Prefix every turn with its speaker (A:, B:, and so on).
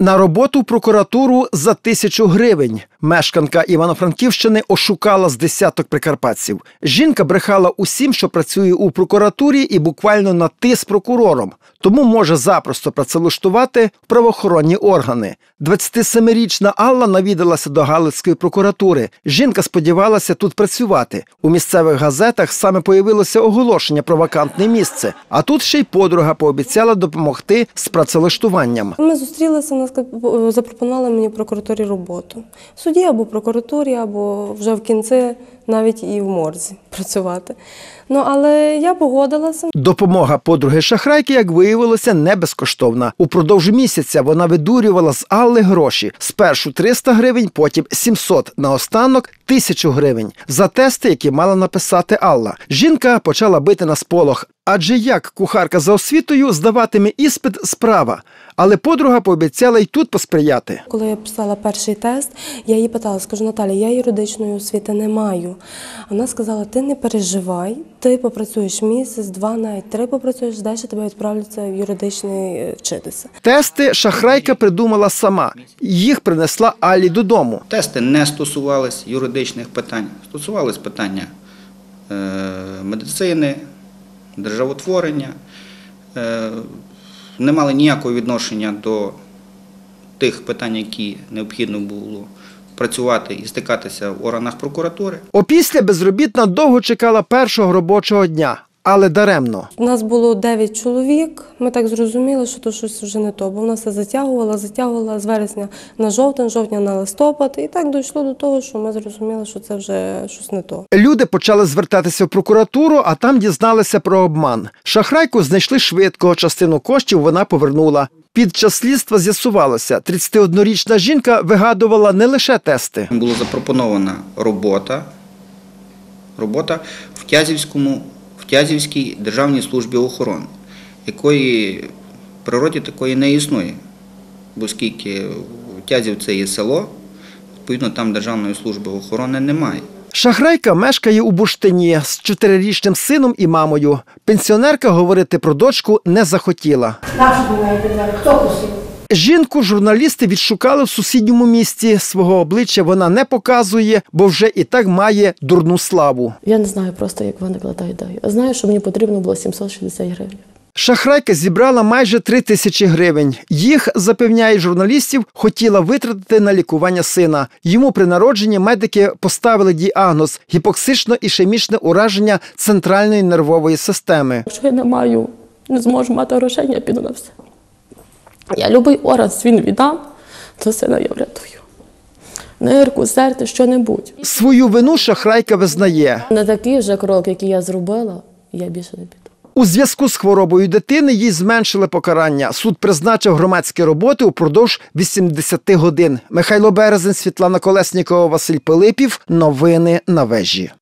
A: На роботу в прокуратуру за 1000 гривень. Мешканка Івано-Франківщини ошукала з десяток прикарпатців. Жінка брехала усім, що працює у прокуратурі, і буквально на «ти» з прокурором. Тому може запросто працевлаштувати в правоохоронні органи. 27-річна Алла навідалася до Галицької прокуратури. Жінка сподівалася тут працювати. У місцевих газетах саме появилося оголошення про вакантне місце. А тут ще й подруга пообіцяла допомогти з працевлаштуванням.
B: Ми зустрілися, запропонували мені в прокуратурі роботу. В суді або в прокуратурі, або вже в кінці навіть і в морзі працювати. Але я погодилася.
A: Допомога подруги-шахрайки, як виявилося, не безкоштовна. Упродовж місяця вона видурювала з Алли гроші. Спершу 300 гривень, потім 700, наостанок 1000 гривень. За тести, які мала написати Алла. Жінка почала бити на сполох. Адже як кухарка за освітою здаватиме іспит – справа. Але подруга пообіцяла й тут посприяти.
B: Коли я писала перший тест, я їй питала, скажу, Наталя, я юридичної освіти не маю. Вона сказала, ти не переживай, ти попрацюєш місяць, 2, навіть 3 попрацюєш, далі тебе відправляться в юридичний вчитися.
A: Тести шахрайка придумала сама. Їх принесла Аллі додому.
C: Тести не стосувались юридичних питань, стосувались питання медицини, державотворення, не мали ніякого відношення до тих питань, які необхідно було працювати і стикатися в органах прокуратури.
A: Опісля безробітна довго чекала першого робочого дня, але даремно.
B: У нас було 9 чоловік, ми так зрозуміли, що то щось вже не то, бо вона все затягувала з вересня на жовтень, жовтня на листопад, і так дійшло до того, що ми зрозуміли, що це вже щось не то.
A: Люди почали звертатися в прокуратуру, а там дізналися про обман. Шахрайку знайшли швидко, частину коштів вона повернула. Під час слідства з'ясувалося, 31-річна жінка вигадувала не лише тести.
C: Була запропонована робота в Тязівській державній службі охорони, якої в природі такої не існує, оскільки Тязів – це є село, відповідно там державної служби охорони немає.
A: Шахрайка мешкає у Бурштині з 4-річним сином і мамою. Пенсіонерка говорити про дочку не захотіла.
D: Хто просив?
A: Жінку журналісти відшукали в сусідньому місті. Свого обличчя вона не показує, бо вже і так має дурну славу.
E: Я не знаю просто, як виникла та ідея. Знаю, що мені потрібно було 760 гривень.
A: Шахрайка зібрала майже 3000 гривень. Їх, запевняє журналістів, хотіла витратити на лікування сина. Йому при народженні медики поставили діагноз – гіпоксично-ішемічне ураження центральної нервової системи.
E: Якщо я не зможу мати грошей, я піду на все. Я любий орган свій віддам, то сина я врятую. Нирку, серце, що-небудь.
A: Свою вину шахрайка визнає.
E: На такий вже крок, який я зробила, я більше не піду.
A: У зв'язку з хворобою дитини їй зменшили покарання. Суд призначив громадські роботи упродовж 80 годин. Михайло Березень, Світлана Колеснікова, Василь Пилипів. Новини на Вежі.